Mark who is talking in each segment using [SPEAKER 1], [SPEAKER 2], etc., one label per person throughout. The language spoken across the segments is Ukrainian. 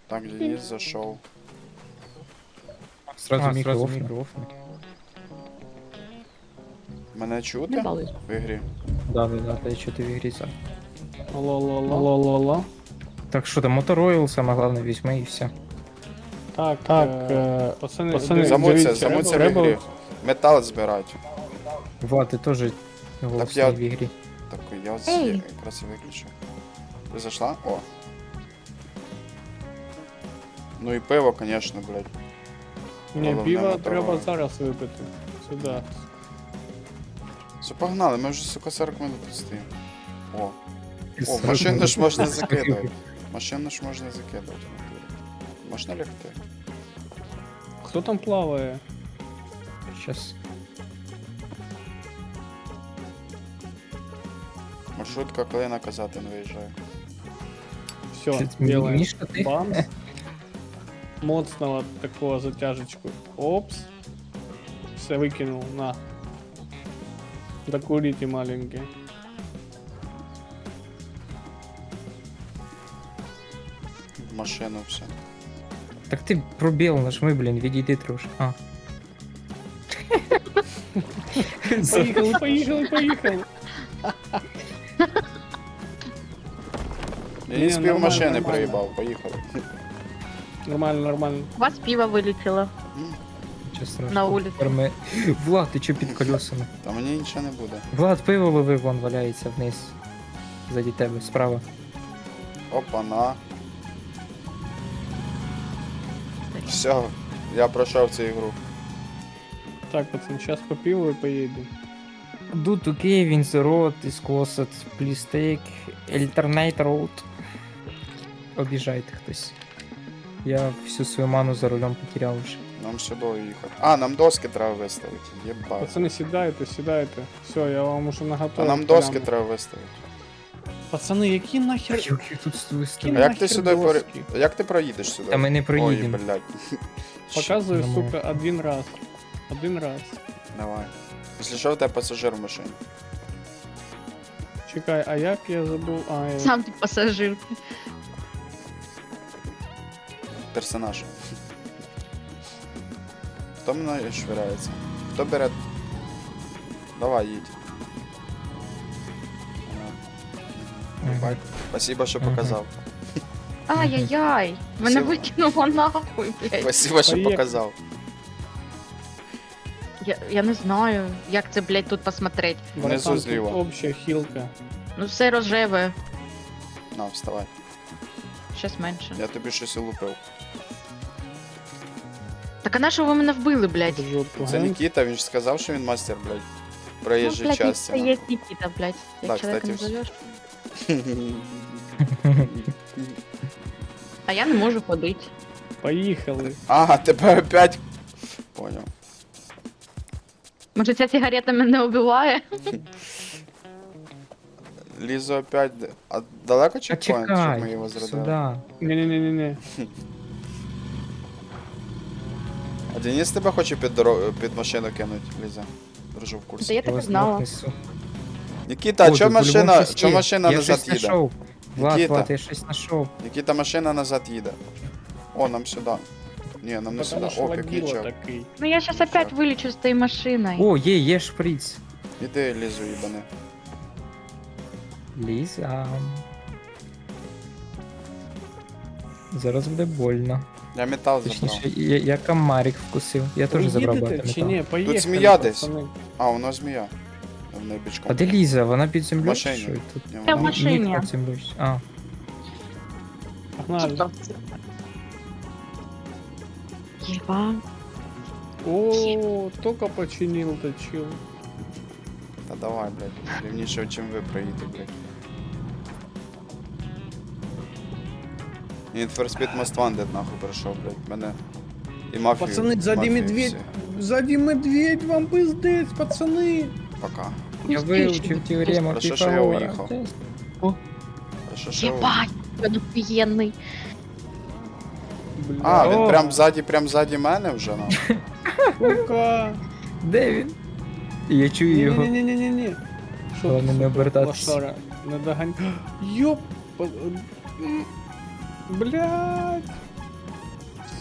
[SPEAKER 1] Так, Денис зашел.
[SPEAKER 2] Сразу мікрофон.
[SPEAKER 1] Мене
[SPEAKER 3] Не
[SPEAKER 1] чути
[SPEAKER 3] балуйся.
[SPEAKER 1] в ігрі?
[SPEAKER 2] Да, та я чути в ігрі сам.
[SPEAKER 4] Алло.
[SPEAKER 2] Так що там, Motor Oil, саме головне, візьми і все.
[SPEAKER 4] Так, пацани,
[SPEAKER 1] Замуться
[SPEAKER 4] дивіться,
[SPEAKER 1] в
[SPEAKER 4] треба-
[SPEAKER 1] ігрі. Метал збирати.
[SPEAKER 2] Влад, ти теж голосний
[SPEAKER 1] я-
[SPEAKER 2] в ігрі.
[SPEAKER 1] Так, я от
[SPEAKER 3] Ей!
[SPEAKER 1] якраз і виключив. Ти зайшла? О. Ну і пиво, конечно, блядь.
[SPEAKER 4] Ні,
[SPEAKER 1] Головне
[SPEAKER 4] пиво
[SPEAKER 1] моторове.
[SPEAKER 4] треба зараз випити. Сюди.
[SPEAKER 1] Все, погнали, ми вже, сука, 40 минут тут стоїмо. О, машину ж можна закидувати. Машину ж можна закидувати. в натурі. Можна лягти?
[SPEAKER 4] Хто там плаває?
[SPEAKER 2] Щас.
[SPEAKER 1] Маршрутка, коли наказати не виїжджає.
[SPEAKER 4] Все,
[SPEAKER 2] Чуть
[SPEAKER 4] делаем
[SPEAKER 2] Мішка, ти?
[SPEAKER 4] бамс. Моцного такого затяжечку. Опс. Все выкинул, на. Докурите маленький.
[SPEAKER 1] В машину все.
[SPEAKER 2] Так ти пробіл нажми, блін, відійди трошки. А.
[SPEAKER 4] Поїхали.
[SPEAKER 1] Я
[SPEAKER 4] Ні,
[SPEAKER 1] не спів
[SPEAKER 4] нормально,
[SPEAKER 1] машини
[SPEAKER 4] нормально.
[SPEAKER 1] проїбав, поїхали.
[SPEAKER 4] Нормально.
[SPEAKER 3] У вас пиво вылетело
[SPEAKER 2] Нічого страшного.
[SPEAKER 3] на улицу.
[SPEAKER 2] Тепер ми- Влад, ти чо під колесами?
[SPEAKER 1] Та мені нічого не буде.
[SPEAKER 2] Влад, пиво ловив, вон валяється вниз. Ззаді тебе, справа.
[SPEAKER 1] Опа-на. Все, я пройшов цю ігру.
[SPEAKER 4] Так, пацан, сейчас по пиву и поедем.
[SPEAKER 2] Do to cave in the road is closed. Please take alternate road. Обіжайте хтось. Я всю свою ману за рулем потеряв вже.
[SPEAKER 1] Нам сюди їхати. А, нам доски треба виставити. Єбать.
[SPEAKER 4] Пацаны, сідайте. Все, я вам уже
[SPEAKER 1] А
[SPEAKER 4] наготовил.
[SPEAKER 1] нам доски
[SPEAKER 4] прямо.
[SPEAKER 1] треба виставити.
[SPEAKER 4] Пацаны, які нахер...
[SPEAKER 2] Як я тут
[SPEAKER 4] Які
[SPEAKER 2] стою?
[SPEAKER 1] А як
[SPEAKER 4] нахер
[SPEAKER 1] ти сюди
[SPEAKER 4] доски?
[SPEAKER 1] Як ти проїдеш сюди?
[SPEAKER 2] Та ми не проїдемо.
[SPEAKER 1] Ой, блядь.
[SPEAKER 4] Показую,
[SPEAKER 2] Нормально.
[SPEAKER 4] сука, один раз. Один раз.
[SPEAKER 1] Давай. Якщо що, в тебе пасажир в машині.
[SPEAKER 4] Чекай, а як я забув? А, я...
[SPEAKER 3] Сам ты пассажир.
[SPEAKER 1] Персонаж. Хто мною швиряється? Хто бере? Давай, їдь. Ага. Ебать. Спасибо, що
[SPEAKER 2] Мгм.
[SPEAKER 1] показав.
[SPEAKER 3] Ай-яй-яй. Мене
[SPEAKER 1] Всё.
[SPEAKER 3] викинуло нахуй, блядь.
[SPEAKER 1] Спасибо, що
[SPEAKER 4] Поїхали.
[SPEAKER 1] показав.
[SPEAKER 3] Я не знаю, як це, блядь, тут посмотреть.
[SPEAKER 4] Братан,
[SPEAKER 1] Внизу
[SPEAKER 4] тут
[SPEAKER 1] зліва.
[SPEAKER 4] общая хілка.
[SPEAKER 3] Ну все рожеве.
[SPEAKER 1] На, вставай.
[SPEAKER 3] Щас менше.
[SPEAKER 1] Я тобі щось улупив.
[SPEAKER 3] Так а на що ви мене вбили, блядь?
[SPEAKER 4] Жопу,
[SPEAKER 1] Це
[SPEAKER 4] га?
[SPEAKER 1] Нікіта, він ж сказав, що він мастер, блядь.
[SPEAKER 3] Ну,
[SPEAKER 1] Проїжджій
[SPEAKER 3] блядь,
[SPEAKER 1] часті.
[SPEAKER 3] це є Нікіта, блядь. Як
[SPEAKER 1] Так,
[SPEAKER 3] чоловіка
[SPEAKER 1] кстати,
[SPEAKER 3] назовеш. А я не можу ходити.
[SPEAKER 4] Поїхали.
[SPEAKER 1] Ага, тебе опять. Понял.
[SPEAKER 3] Може ця сигарета мене убиває?
[SPEAKER 1] Лізо опять. А далеко
[SPEAKER 2] А
[SPEAKER 1] чекпоінт, щоб ми
[SPEAKER 2] чекай,
[SPEAKER 1] його зрадили?
[SPEAKER 2] сюди.
[SPEAKER 4] Не-не-не-не.
[SPEAKER 1] А Денис тебе хоче під машину кинуть, Ліза. Держу в
[SPEAKER 3] Та
[SPEAKER 1] курсі.
[SPEAKER 3] я так і
[SPEAKER 2] вас
[SPEAKER 3] знала.
[SPEAKER 2] несу.
[SPEAKER 1] Нікіта, а
[SPEAKER 2] О,
[SPEAKER 1] чо
[SPEAKER 2] ти по-любому
[SPEAKER 1] машина,
[SPEAKER 2] щось
[SPEAKER 1] чо
[SPEAKER 2] є.
[SPEAKER 1] машина
[SPEAKER 2] Я
[SPEAKER 1] назад
[SPEAKER 2] щось
[SPEAKER 1] їде?
[SPEAKER 2] знайшов. Влад,
[SPEAKER 1] Нікіта.
[SPEAKER 2] Влад, я щось знайшов.
[SPEAKER 1] Нікіта, машина назад їде. О, нам сюди. Ні, нам не сюди.
[SPEAKER 4] Потому що
[SPEAKER 1] О,
[SPEAKER 4] водила
[SPEAKER 1] пікнічок.
[SPEAKER 4] такий.
[SPEAKER 3] Ну я щас опять вилічу з тієї машини.
[SPEAKER 2] О, є шприц.
[SPEAKER 1] Іди, Лізу, їбани.
[SPEAKER 2] Ліза. Зараз буде больно.
[SPEAKER 1] Я метал
[SPEAKER 2] Точніше,
[SPEAKER 1] забрав.
[SPEAKER 2] я комарик вкусив. Я теж забрав
[SPEAKER 4] Поїдете
[SPEAKER 2] багато
[SPEAKER 4] чи
[SPEAKER 2] металу.
[SPEAKER 4] ні? Поїхали,
[SPEAKER 1] змія десь.
[SPEAKER 4] пацани.
[SPEAKER 1] А, воно змія. В неї бичком.
[SPEAKER 2] А де Ліза? Вона під землею?
[SPEAKER 1] В машині.
[SPEAKER 2] чи що? Тут
[SPEAKER 1] Ні,
[SPEAKER 3] Та в
[SPEAKER 1] вона-
[SPEAKER 3] машині.
[SPEAKER 2] мітка під землею. А,
[SPEAKER 4] Погнали.
[SPEAKER 3] Єба.
[SPEAKER 4] О, только починил точил.
[SPEAKER 1] Та давай, блядь. Рівніше, чим ви проїдете, блядь. Need for Speed Most Wanted, нахуй, пройшов, блядь. Мене і мафію.
[SPEAKER 4] Пацаны, сзади
[SPEAKER 1] мафію
[SPEAKER 4] медведь.
[SPEAKER 1] всі.
[SPEAKER 4] Сзади медведь, вам пиздец, пацаны.
[SPEAKER 1] Пока.
[SPEAKER 2] я вивчив теорему
[SPEAKER 1] Хорошо, що я
[SPEAKER 2] Піфагора.
[SPEAKER 1] уїхав.
[SPEAKER 2] Це-
[SPEAKER 1] Хорошо, що ви-
[SPEAKER 3] Єбать, він офігенний.
[SPEAKER 4] Бля.
[SPEAKER 1] А, він
[SPEAKER 2] О.
[SPEAKER 1] прям ззаді мене вже, нахуй.
[SPEAKER 4] Сука.
[SPEAKER 2] Де він? Я чую його.
[SPEAKER 4] Не-не-не-не-не.
[SPEAKER 2] Головне не обертатися.
[SPEAKER 4] Лошара, не догань. Ёп. Блядь.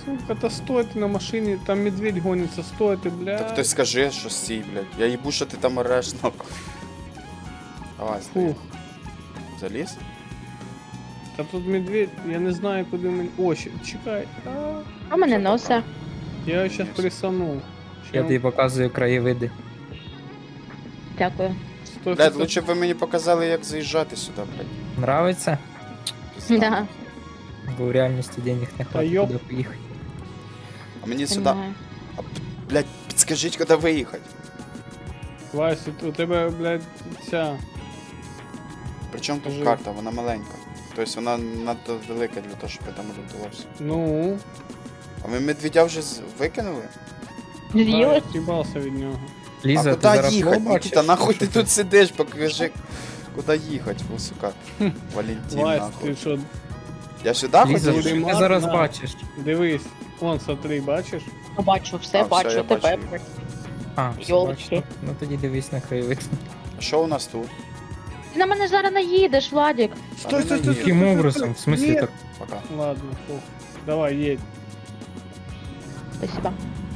[SPEAKER 4] Сука, та стойте на машині, там медведь гониться, стойте, блядь.
[SPEAKER 1] Так хтось скажи, що стій, блядь. Я їбу, що ти там ореш, нахуй. Давай, стій.
[SPEAKER 4] Фух.
[SPEAKER 1] Заліз?
[SPEAKER 4] Та тут медведь, я не знаю, куди мені... О, чекай.
[SPEAKER 3] А мене носа.
[SPEAKER 4] Я його щас
[SPEAKER 1] Єсть.
[SPEAKER 4] присанув.
[SPEAKER 2] Я тобі показую краєвиди.
[SPEAKER 3] Дякую.
[SPEAKER 4] Стой,
[SPEAKER 1] Блядь,
[SPEAKER 4] стой,
[SPEAKER 1] лучше б ви мені показали, як заїжджати сюди, блядь.
[SPEAKER 2] Нравиться?
[SPEAKER 1] Пізда.
[SPEAKER 3] Да.
[SPEAKER 2] Бо в реальності денег не хватить,
[SPEAKER 4] йоп.
[SPEAKER 2] куди поїхати.
[SPEAKER 1] А мені сюди...
[SPEAKER 3] Понимаю.
[SPEAKER 1] Блядь, підскажіть, куди виїхати.
[SPEAKER 4] Вася, у тебе, блядь, ця...
[SPEAKER 1] Причому тут
[SPEAKER 4] Скажи.
[SPEAKER 1] карта, вона маленька. Тобто вона надто велика для того, щоб я там орієнтувався.
[SPEAKER 4] Ну,
[SPEAKER 1] А ми медведя вже викинули?
[SPEAKER 3] З'їли?
[SPEAKER 4] їбався від нього.
[SPEAKER 2] Ліза,
[SPEAKER 1] А
[SPEAKER 2] ти зараз
[SPEAKER 1] куди їхати?
[SPEAKER 2] лоб бачиш?
[SPEAKER 1] Нікіта, нахуй ти тут сидиш, покажи, куди їхати, сука. Валентин,
[SPEAKER 4] Вась,
[SPEAKER 1] нахуй.
[SPEAKER 4] ти що,
[SPEAKER 1] Я сюди
[SPEAKER 2] Ліза,
[SPEAKER 1] хотів?
[SPEAKER 2] що ти
[SPEAKER 4] Марк,
[SPEAKER 2] зараз
[SPEAKER 4] на.
[SPEAKER 2] бачиш?
[SPEAKER 4] дивись, вон, смотри, бачиш?
[SPEAKER 3] Бачу, все
[SPEAKER 1] А, все,
[SPEAKER 3] бачу,
[SPEAKER 1] я
[SPEAKER 3] тебе.
[SPEAKER 1] бачу.
[SPEAKER 2] А, все
[SPEAKER 3] Йолки.
[SPEAKER 2] бачу. Ну тоді дивись на краєвид.
[SPEAKER 1] А що у нас тут?
[SPEAKER 3] Ти на мене зараз наїдеш, Владик.
[SPEAKER 1] Стой, стой, стой,
[SPEAKER 2] Яким образом? В смислі
[SPEAKER 4] Ні.
[SPEAKER 2] так?
[SPEAKER 1] Пока.
[SPEAKER 4] Ладно, фух. Давай, едь.
[SPEAKER 3] Спасибо.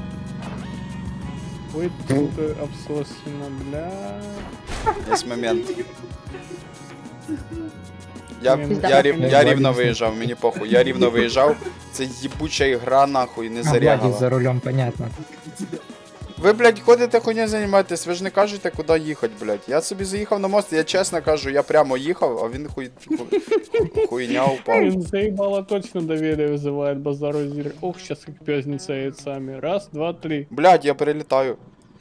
[SPEAKER 4] Ой, сука, обсосина, бля.
[SPEAKER 1] Є момент. Я
[SPEAKER 3] Пізда.
[SPEAKER 1] рівно виїжджав, мені похуй. Я рівно виїжджав. Це їбуча ігра, нахуй, не
[SPEAKER 2] А, Владик
[SPEAKER 1] зарягала.
[SPEAKER 2] за рулем, понятно.
[SPEAKER 1] Ви, блядь, ходите хуйня займаєтесь, ви ж не кажете, куди їхати, блядь. Я собі заїхав на мост, я чесно кажу, я прямо їхав, а він хуйня упав.
[SPEAKER 4] Блин, заебало точно доверие вызывает базару зир. Ох, сейчас как пёзница яйцами. Раз, два, три.
[SPEAKER 1] Блядь, я перелітаю.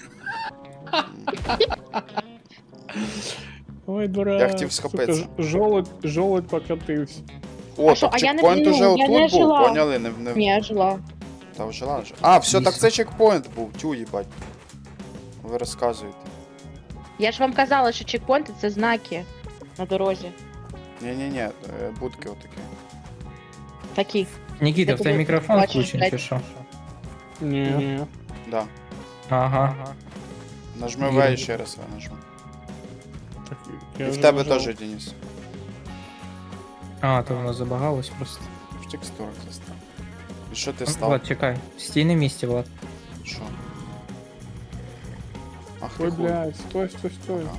[SPEAKER 4] Ой, дурак.
[SPEAKER 1] Я хотів схопитися.
[SPEAKER 4] Желудь покатився.
[SPEAKER 1] О,
[SPEAKER 3] А що,
[SPEAKER 1] так
[SPEAKER 3] а я не-
[SPEAKER 1] чекпоінт
[SPEAKER 3] ну,
[SPEAKER 1] уже
[SPEAKER 3] я
[SPEAKER 1] отут
[SPEAKER 3] не
[SPEAKER 1] був,
[SPEAKER 3] жила.
[SPEAKER 1] поняли? Не...
[SPEAKER 3] Ні, я жила.
[SPEAKER 1] Та вжила вже. А, все, так
[SPEAKER 2] Вісім.
[SPEAKER 1] це чекпоінт був, тю, їбать. Ви розказуєте.
[SPEAKER 3] Я ж вам казала, що чекпоінти це знаки на дорозі.
[SPEAKER 1] Ні-ні-ні, будки отакі.
[SPEAKER 3] Такі.
[SPEAKER 2] Нікіта,
[SPEAKER 3] Я
[SPEAKER 2] в тебе
[SPEAKER 3] тобі
[SPEAKER 2] мікрофон
[SPEAKER 3] бачиш,
[SPEAKER 2] включений чи
[SPEAKER 3] блядь.
[SPEAKER 2] що?
[SPEAKER 4] Не.
[SPEAKER 1] Да.
[SPEAKER 2] Ага.
[SPEAKER 1] Нажми
[SPEAKER 2] Вірю.
[SPEAKER 1] В і ще раз В нажми.
[SPEAKER 4] Так,
[SPEAKER 1] І
[SPEAKER 4] я
[SPEAKER 1] в
[SPEAKER 4] вже
[SPEAKER 1] тебе
[SPEAKER 4] нажав.
[SPEAKER 1] теж, Денис.
[SPEAKER 2] А, то воно забагалось просто.
[SPEAKER 1] В текстурах застав. І що ти
[SPEAKER 2] Влад,
[SPEAKER 1] став?
[SPEAKER 2] чекай. Стій на місці, Влад.
[SPEAKER 1] Що? Ах ти
[SPEAKER 4] Ой,
[SPEAKER 1] хуй.
[SPEAKER 4] блядь, стой.
[SPEAKER 1] Ага.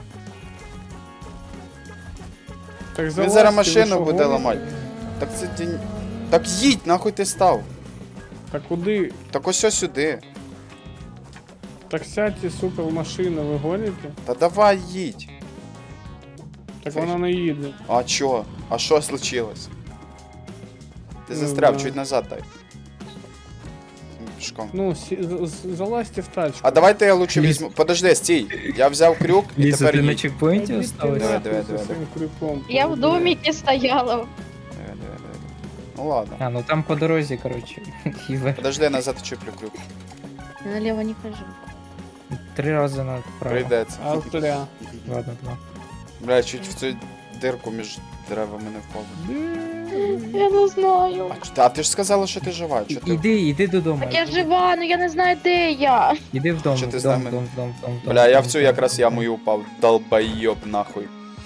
[SPEAKER 4] Так
[SPEAKER 1] Він
[SPEAKER 4] залазьте,
[SPEAKER 1] зараз
[SPEAKER 4] ви
[SPEAKER 1] машину
[SPEAKER 4] що,
[SPEAKER 1] буде
[SPEAKER 4] гоните?
[SPEAKER 1] ламати. Так це день. Так їдь, нахуй ти став.
[SPEAKER 4] Так куди?
[SPEAKER 1] Так ось сюди.
[SPEAKER 4] Так сядьте, сука, в машину, ви гоните?
[SPEAKER 1] Та давай їдь.
[SPEAKER 4] Так вона не їде.
[SPEAKER 1] А чо? А що случилось? Ти
[SPEAKER 4] Ну,
[SPEAKER 1] застряв,
[SPEAKER 4] да.
[SPEAKER 1] чуть назад дай. Пішком.
[SPEAKER 4] Ну, залазьте в тачку.
[SPEAKER 1] А давайте я лучше
[SPEAKER 2] Ліз.
[SPEAKER 1] візьму. Подожди, стій. Я взяв крюк і
[SPEAKER 2] Ліза,
[SPEAKER 1] тепер
[SPEAKER 2] ти на
[SPEAKER 1] їдь.
[SPEAKER 2] чекпоінті
[SPEAKER 4] Ідіть
[SPEAKER 2] осталась?
[SPEAKER 1] Давай,
[SPEAKER 4] нахуй
[SPEAKER 1] давай,
[SPEAKER 4] зі
[SPEAKER 1] давай,
[SPEAKER 4] своїм крюком.
[SPEAKER 3] Я в доміки стояла.
[SPEAKER 1] Давай. Ну ладно.
[SPEAKER 2] А, ну там по дорозі, коротше. І вверх.
[SPEAKER 1] Подожди, я назад чіплю крюк.
[SPEAKER 3] Я наліво не хожу.
[SPEAKER 2] 3 рази направо.
[SPEAKER 1] Прийдеться.
[SPEAKER 4] Австрія.
[SPEAKER 2] Ладно, 2.
[SPEAKER 1] Бля, чуть в цю дирку між деревами не впав.
[SPEAKER 3] Я не знаю.
[SPEAKER 1] А ти ж сказала, що ти жива. Чи ти...
[SPEAKER 2] Іди додому.
[SPEAKER 3] Так я жива, ну я не знаю, де я.
[SPEAKER 2] Іди в дом,
[SPEAKER 1] Чи ти
[SPEAKER 2] в
[SPEAKER 1] з
[SPEAKER 2] дом,
[SPEAKER 1] нами?
[SPEAKER 2] в дом, в дом, в дом.
[SPEAKER 1] Бля, я в цю якраз яму і упав. Долбойоб нахуй.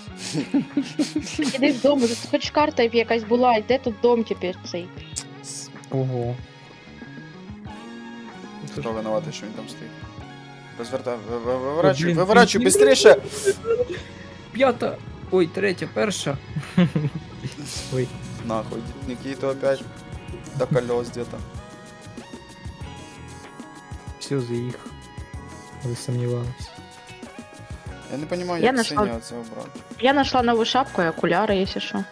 [SPEAKER 3] Іди додому, тут хоч карта якась була, і де тут дом тепер цей.
[SPEAKER 2] Ого.
[SPEAKER 1] Хто винуватий, що він там стоїть? Розвертай, виворачуй,
[SPEAKER 2] Блін,
[SPEAKER 1] виворачуй,
[SPEAKER 2] блін.
[SPEAKER 1] быстріше!
[SPEAKER 2] П'ята. Ой, третя, перша. Ой.
[SPEAKER 1] Нахуй, Никита опять до колес где-то.
[SPEAKER 2] Все, заїхав. Ви сумнівались.
[SPEAKER 1] Я не понимаю,
[SPEAKER 3] Я
[SPEAKER 1] як
[SPEAKER 3] нашла.
[SPEAKER 1] синя це обрати.
[SPEAKER 3] Я знайшла нову шапку і окуляри, якщо що.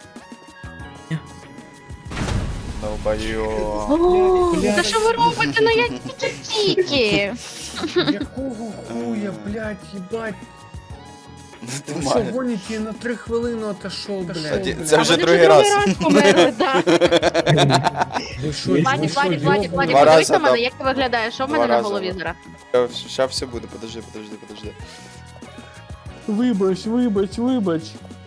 [SPEAKER 1] Долбойоб.
[SPEAKER 4] блядь.
[SPEAKER 3] Та що ви робите? Ну я тільки.
[SPEAKER 4] Якого хуя, блядь, їбать?
[SPEAKER 1] Ти
[SPEAKER 4] Ви що
[SPEAKER 1] маєш.
[SPEAKER 4] гоните на 3 хвилини отошов, блядь.
[SPEAKER 1] Це вже другий раз.
[SPEAKER 3] померли, так.
[SPEAKER 4] Ви що,
[SPEAKER 3] Владик, Владик, Владик, Владик,
[SPEAKER 1] Два
[SPEAKER 3] подивись
[SPEAKER 1] рази,
[SPEAKER 3] на мене,
[SPEAKER 1] да.
[SPEAKER 3] як ти виглядаєш, що в
[SPEAKER 1] Два
[SPEAKER 3] мене на
[SPEAKER 1] рази,
[SPEAKER 3] голові
[SPEAKER 1] да.
[SPEAKER 3] зараз?
[SPEAKER 1] Ща все буде, подожди.
[SPEAKER 4] Вибач.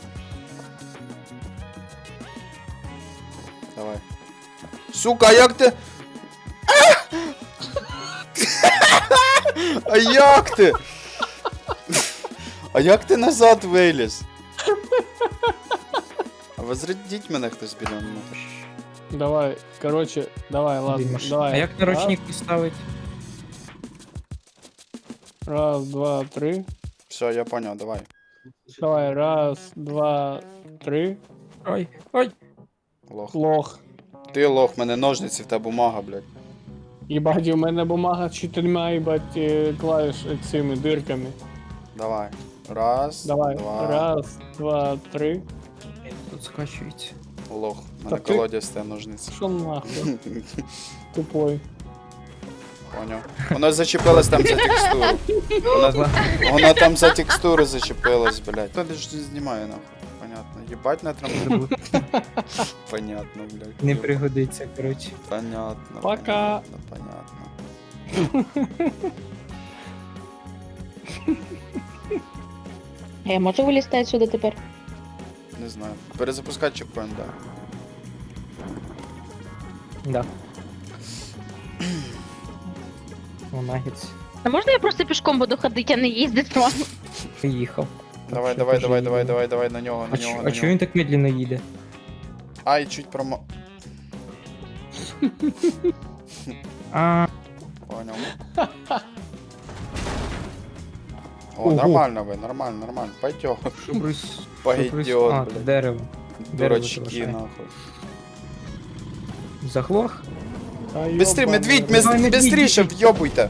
[SPEAKER 1] Давай. Сука, а як ти? А як ти? А як ти назад виліз? А возродіть мене хтось біля мене.
[SPEAKER 4] Давай, короче, давай, ладно,
[SPEAKER 2] Димаш.
[SPEAKER 4] давай.
[SPEAKER 2] А як наручник поставить?
[SPEAKER 4] Раз, два, три.
[SPEAKER 1] Все, я понял, давай.
[SPEAKER 4] Давай, раз, два, три.
[SPEAKER 2] Ой, ой.
[SPEAKER 1] Лох.
[SPEAKER 4] Лох.
[SPEAKER 1] Ти лох, мене ножниці, в тебе бумага, блядь.
[SPEAKER 4] Єбать, у мене бумага з 4, їбать, клавіш цими дирками.
[SPEAKER 1] Давай. Раз,
[SPEAKER 4] Давай,
[SPEAKER 1] два.
[SPEAKER 4] раз, два, три.
[SPEAKER 2] Тут скачується.
[SPEAKER 1] Лох.
[SPEAKER 4] Та
[SPEAKER 1] Мене
[SPEAKER 4] ти-
[SPEAKER 1] колодязь те ножниці.
[SPEAKER 4] Що нахуй? Тупой.
[SPEAKER 1] Поняв. Воно зачепилось там за текстуру. Воно там за текстуру зачепилось, блядь. Хто ж не знімає, нахуй. Понятно. Єбать на трамплін. Понятно, блядь.
[SPEAKER 2] Не пригодиться, коротше.
[SPEAKER 1] Понятно.
[SPEAKER 4] Пока.
[SPEAKER 1] Понятно.
[SPEAKER 3] Я можу вилізти отсюди тепер?
[SPEAKER 1] Не знаю. Перезапускати чекпоінт, да.
[SPEAKER 2] Да. О, нагіц.
[SPEAKER 3] А можна я просто пішком буду ходити, а не їздити вам?
[SPEAKER 2] Приїхав.
[SPEAKER 1] Давай,
[SPEAKER 2] що
[SPEAKER 1] давай,
[SPEAKER 2] дуже
[SPEAKER 1] давай,
[SPEAKER 2] їде.
[SPEAKER 1] давай, давай, давай, на нього, на
[SPEAKER 2] А,
[SPEAKER 1] нього,
[SPEAKER 2] чо-
[SPEAKER 1] на
[SPEAKER 2] а чого
[SPEAKER 1] нього.
[SPEAKER 2] він так медленно їде?
[SPEAKER 1] Ай, чуть промо...
[SPEAKER 2] А,
[SPEAKER 1] Понял. О,
[SPEAKER 2] Ого.
[SPEAKER 1] нормально ви, нормально, нормально. Пойдем.
[SPEAKER 2] що брось.
[SPEAKER 1] Пойдет,
[SPEAKER 2] А,
[SPEAKER 1] блядь.
[SPEAKER 2] дерево.
[SPEAKER 1] Дурачки,
[SPEAKER 2] залишай.
[SPEAKER 1] нахуй.
[SPEAKER 2] Заглох?
[SPEAKER 4] Та
[SPEAKER 1] Быстрее,
[SPEAKER 4] ёбаний
[SPEAKER 1] медведь,
[SPEAKER 4] рот.
[SPEAKER 2] Давай, медведь,
[SPEAKER 1] быстрее,
[SPEAKER 2] медведь.
[SPEAKER 1] въебуйте.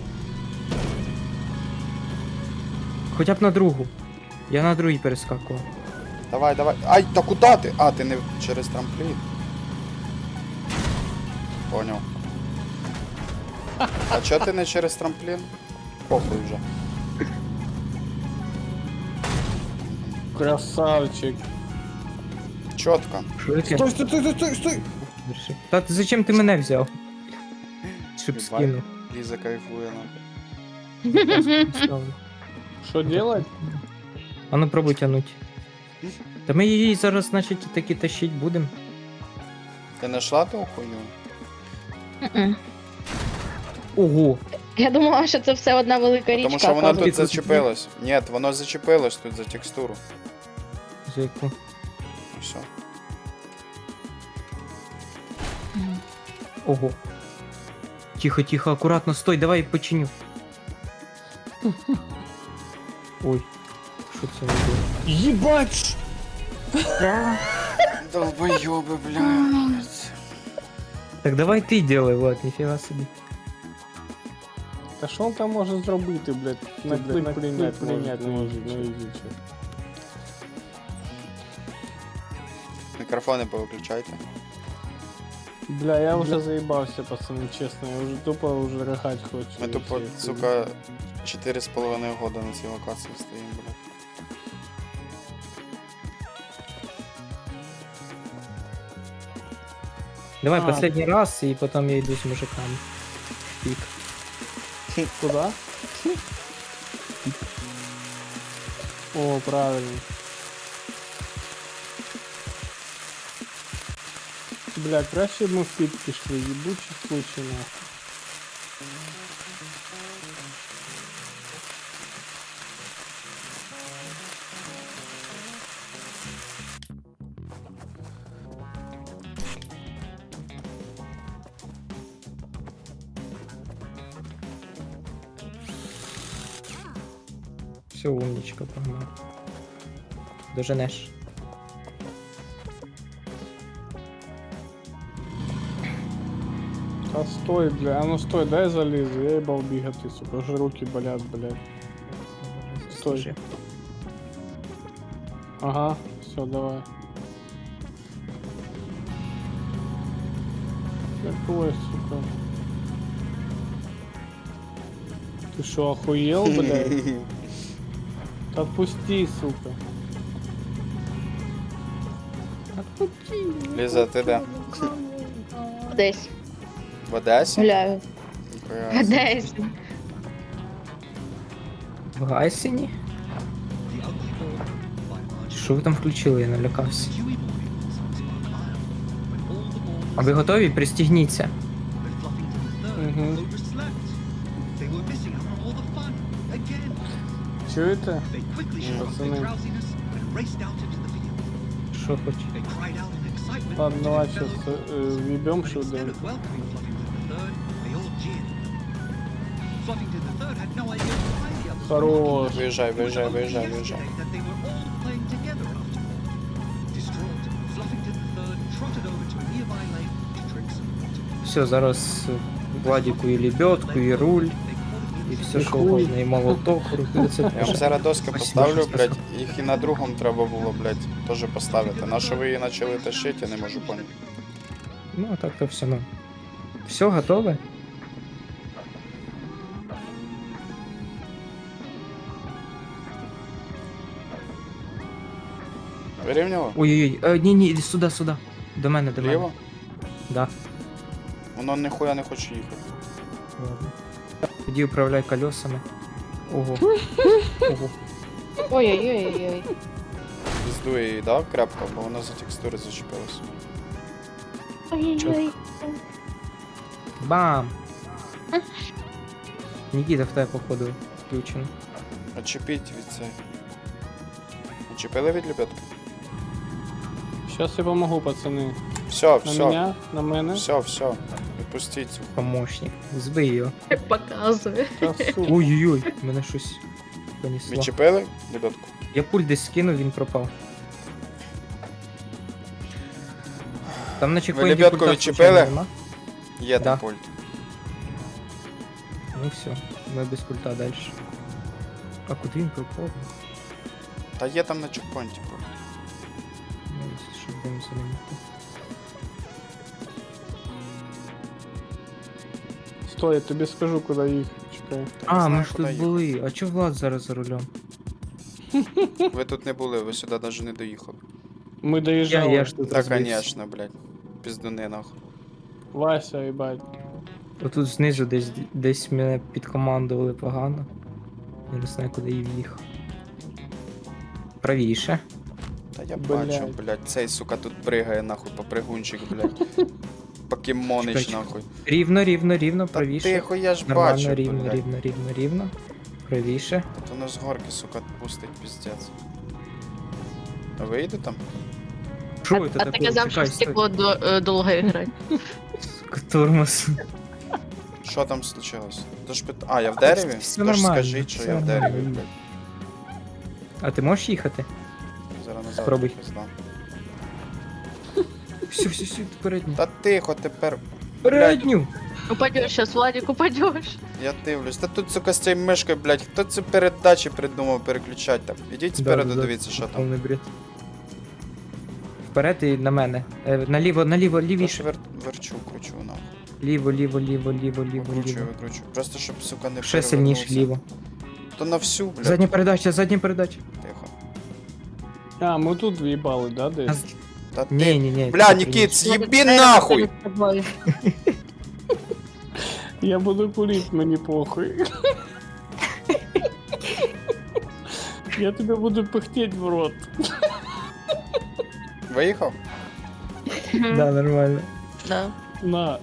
[SPEAKER 2] Хоча б на другу. Я на другій перескакував.
[SPEAKER 1] Давай, давай. Ай, та куда ти? А, ти не через трамплін. Понял. А чо ти не через трамплін? Похуй вже.
[SPEAKER 4] Красавчик.
[SPEAKER 1] Чотко.
[SPEAKER 2] Що таке?
[SPEAKER 4] Стой, стой, стой, стой, стой.
[SPEAKER 2] Держи. Та ти зачем ти мене взяв? Щоб
[SPEAKER 1] Єбать.
[SPEAKER 2] скинув.
[SPEAKER 1] Ліза кайфує, нахуй.
[SPEAKER 2] Ставлю.
[SPEAKER 4] Що делать?
[SPEAKER 2] А ну пробуй тянуть. Та ми її зараз, значить, таки тащить будемо.
[SPEAKER 1] Ти знайшла ту хуйню?
[SPEAKER 3] Мгм.
[SPEAKER 2] Ого!
[SPEAKER 3] Я думала, що це все одна велика річка.
[SPEAKER 1] Тому що воно тут
[SPEAKER 3] оказується.
[SPEAKER 1] зачепилось. Ні, воно зачепилось тут за текстуру.
[SPEAKER 2] За яку?
[SPEAKER 1] І все.
[SPEAKER 2] Ого. Тихо, тихо, акуратно, стой, давай починю. Ой. Що це було?
[SPEAKER 4] Єбать!
[SPEAKER 1] Долбойоби, блядь.
[SPEAKER 2] Так давай ти делай, Влад, ніфіга собі.
[SPEAKER 4] Та що він там може зробити, блядь? На клик прийняти може, ну ідіть.
[SPEAKER 1] Мікрофони повиключайте.
[SPEAKER 4] Бля, я вже заїбався, пацани, чесно, я вже тупо вже ригать хочу.
[SPEAKER 1] Ми тупо, сука, 4,5 года на цій локації стоїмо, блядь.
[SPEAKER 2] Давай
[SPEAKER 4] А.
[SPEAKER 2] последний раз, і потім я йду з мужиками. Пік.
[SPEAKER 4] Куда? О, правильно. Бля, краще б ми в пік пішли, їбучий случай нахуй.
[SPEAKER 2] Все, умничка, погнал. Доженеш.
[SPEAKER 4] Та стой, бля, а ну стой, дай залізу, я їбав бігати, сука, вже руки болять, блядь. Стой.
[SPEAKER 2] Слушай.
[SPEAKER 4] Ага, все, давай. Какой, сука? Ты что, охуел, блядь? Отпусти, сука.
[SPEAKER 1] Ліза, ти де?
[SPEAKER 3] Десь
[SPEAKER 1] В Одесі?
[SPEAKER 3] гуляю.
[SPEAKER 1] Ніхуя.
[SPEAKER 3] Десь.
[SPEAKER 2] В Гайсені? Що ви там включили, я налякався. А ви готові? Пристігніться.
[SPEAKER 4] Угу. Чуєте?
[SPEAKER 2] Що хоч?
[SPEAKER 4] Ладно, давай сейчас въебем шуду. Хорош.
[SPEAKER 1] Виїжджай, виїжджай, виїжджай, виїжджай.
[SPEAKER 2] Все, зараз Владіку і лебедку, і руль, і все що
[SPEAKER 4] хуй.
[SPEAKER 2] угодно, і молоток, руки. Це
[SPEAKER 1] Я вам зараз доски
[SPEAKER 2] Спасибо,
[SPEAKER 1] поставлю,
[SPEAKER 2] що
[SPEAKER 1] блядь, їх і на другому треба було, блядь, теж поставити. На що ви її почали тащити, я не можу поняти.
[SPEAKER 2] Ну, а так то все, ну. Все, готове?
[SPEAKER 1] Вирівняло?
[SPEAKER 2] Ой-ой-ой, ні, іди сюди, сюди. До мене, до мене.
[SPEAKER 1] Ліво?
[SPEAKER 2] Да.
[SPEAKER 1] Воно ніхуя не хоче їхати.
[SPEAKER 2] Ладно. Тоді управляй колесами. Ого. Ого.
[SPEAKER 3] Ой-ой-ой-ой.
[SPEAKER 1] Піздує її, да, крепко, бо вона за текстури зачепилась.
[SPEAKER 3] Ой-ой-ой.
[SPEAKER 2] Бам! Нікіта в тебе походу включено.
[SPEAKER 1] Очепіть від цей. Очепили від лебедки?
[SPEAKER 4] Сейчас я помогу, пацаны.
[SPEAKER 1] Все,
[SPEAKER 4] На
[SPEAKER 1] все,
[SPEAKER 4] меня, на мене.
[SPEAKER 1] все, все. Відпустіть цю.
[SPEAKER 2] Помощник. Збий його.
[SPEAKER 3] Показує.
[SPEAKER 4] Та сука.
[SPEAKER 2] Ой-ой-ой, мене щось понесло.
[SPEAKER 1] Відчепили лебедку?
[SPEAKER 2] Я пульт десь скинув, він пропав. Там на чекпоінті
[SPEAKER 1] лебедку
[SPEAKER 2] пульта
[SPEAKER 1] відчепили?
[SPEAKER 2] случайно нема?
[SPEAKER 1] Є
[SPEAKER 2] Да.
[SPEAKER 1] там пульт.
[SPEAKER 2] Ну все, ми без пульта далі. А куди він пропав?
[SPEAKER 1] Та є там на чекпоінті пульт.
[SPEAKER 2] Ну, щоб будемо зеленіти.
[SPEAKER 4] Стой, я тобі скажу, куди їх. Чекай.
[SPEAKER 1] Та не
[SPEAKER 2] А,
[SPEAKER 1] знаю,
[SPEAKER 2] ми ж
[SPEAKER 1] куди
[SPEAKER 2] тут
[SPEAKER 1] їхати.
[SPEAKER 2] були. А чого Влад зараз за рулем?
[SPEAKER 1] Ви тут не були, ви сюди навіть не доїхали.
[SPEAKER 4] Ми доїжджали.
[SPEAKER 2] Я ж тут
[SPEAKER 1] Та,
[SPEAKER 2] розбився.
[SPEAKER 1] конечно, блядь. Піздуни нахуй.
[SPEAKER 4] Вася, їбать.
[SPEAKER 2] Отут знизу десь мене підкомандували погано. Я не знаю, куди я в'їхав. Правіше.
[SPEAKER 1] Та я
[SPEAKER 4] Блядь.
[SPEAKER 1] бачу, блядь, цей, сука, тут пригає нахуй, попригунчик, блядь. Покемонич,
[SPEAKER 2] Чекай,
[SPEAKER 1] нахуй.
[SPEAKER 2] Рівно,
[SPEAKER 1] Та
[SPEAKER 2] правіше.
[SPEAKER 1] тихо, я ж
[SPEAKER 2] Нормально,
[SPEAKER 1] бачу,
[SPEAKER 2] рівно,
[SPEAKER 1] блядь.
[SPEAKER 2] рівно. Правіше.
[SPEAKER 1] То нас з горки, сука, пустить, піздець. А вийде там?
[SPEAKER 2] Що
[SPEAKER 3] А
[SPEAKER 2] це
[SPEAKER 3] ти
[SPEAKER 2] таке?
[SPEAKER 3] казав, що
[SPEAKER 2] Чекай,
[SPEAKER 3] в стекло довго грати.
[SPEAKER 2] стой. Тормоз.
[SPEAKER 1] Що там случилось? Тож а, я в дереві?
[SPEAKER 2] Все
[SPEAKER 1] Тож
[SPEAKER 2] нормально,
[SPEAKER 1] скажіть, що
[SPEAKER 2] все
[SPEAKER 1] я в дереві,
[SPEAKER 2] нормально.
[SPEAKER 1] блядь.
[SPEAKER 2] А ти можеш їхати?
[SPEAKER 1] Зараз назад
[SPEAKER 2] Спробуй.
[SPEAKER 1] пизда.
[SPEAKER 2] Все, передню.
[SPEAKER 1] Та тихо, тепер.
[SPEAKER 2] Передню!
[SPEAKER 3] Упадеш сейчас, Владик, упадеш.
[SPEAKER 1] Я дивлюсь. Та тут, сука, з цією мишкою, блядь, хто це передачі придумав переключати там? Ідіть спереду, дивіться, що там.
[SPEAKER 2] Повний бред. Вперед і на мене. Наліво,
[SPEAKER 1] Тож
[SPEAKER 2] лівіше.
[SPEAKER 1] верчу, кручу, нахуй.
[SPEAKER 2] Ліво.
[SPEAKER 1] Викручую. Просто щоб, сука, не
[SPEAKER 2] Ще сильніше
[SPEAKER 1] перевернувся.
[SPEAKER 2] ліво.
[SPEAKER 1] То на всю, блядь.
[SPEAKER 2] Задня передача.
[SPEAKER 1] Тихо.
[SPEAKER 4] А, ми тут в'їбали, да, десь?
[SPEAKER 1] Та ти...
[SPEAKER 2] Ні.
[SPEAKER 1] Бля, Нікіт, з'їбі нахуй!
[SPEAKER 4] Я буду курить, мені похуй. Я тебе буду пыхтеть в рот.
[SPEAKER 1] Виїхав?
[SPEAKER 2] Да, нормально.
[SPEAKER 3] Да.
[SPEAKER 4] На.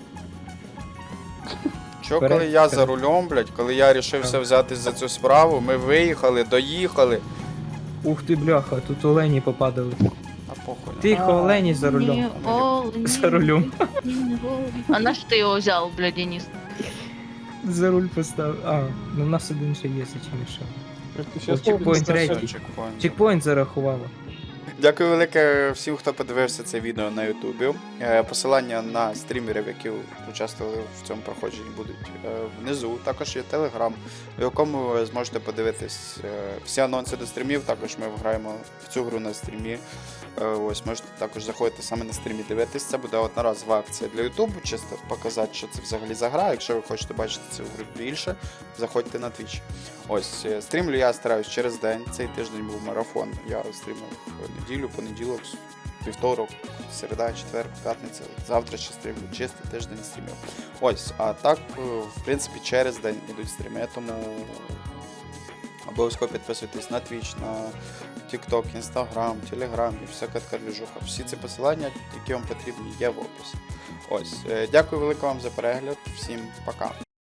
[SPEAKER 1] Чо,
[SPEAKER 2] Вперед,
[SPEAKER 1] коли я
[SPEAKER 2] вперед.
[SPEAKER 1] за рулем, блядь, коли я рішився взятись за цю справу, ми виїхали, доїхали.
[SPEAKER 2] Ух ти, бляха, тут олені попадали.
[SPEAKER 1] А похуй.
[SPEAKER 2] Тихо, олені за рулем.
[SPEAKER 3] Ні, олені,
[SPEAKER 2] За рулем.
[SPEAKER 3] олені. А на що ти його взяв, бля, Денис?
[SPEAKER 2] За руль поставив. А, ну в нас один ще є, зачем ще.
[SPEAKER 4] Ти щас
[SPEAKER 2] Чекпоінт
[SPEAKER 4] тобі
[SPEAKER 2] третій.
[SPEAKER 1] Чекпоінт.
[SPEAKER 2] Чекпоінт зарахувало.
[SPEAKER 1] Дякую велике всім, хто подивився це відео на Ютубі. Посилання на стрімерів, які участвували в цьому проходженні, будуть внизу. Також є Телеграм, в якому ви зможете подивитись всі анонси до стрімів. Також ми граємо в цю гру на стрімі. Ось можете також заходити саме на стрімі дивитись. Це буде одноразова акція для Ютубу, чисто показати, що це взагалі за гра. Якщо ви хочете бачити цю гру більше, заходьте на Twitch. Ось, стрімлю я стараюсь через день. Цей тиждень був марафон. Я стрімив неділю, понеділок, вівторок, середа, четвер, п'ятниця. Завтра ще стрімлю. Чистий тиждень стрімів. Ось, а так, в принципі, через день ідуть стріми, тому обов'язково підписуйтесь на Twitch, на TikTok, Instagram, Telegram і всяка така движуха. Всі ці посилання, які вам потрібні, є в описі. Ось, дякую велике вам за перегляд. Всім пока.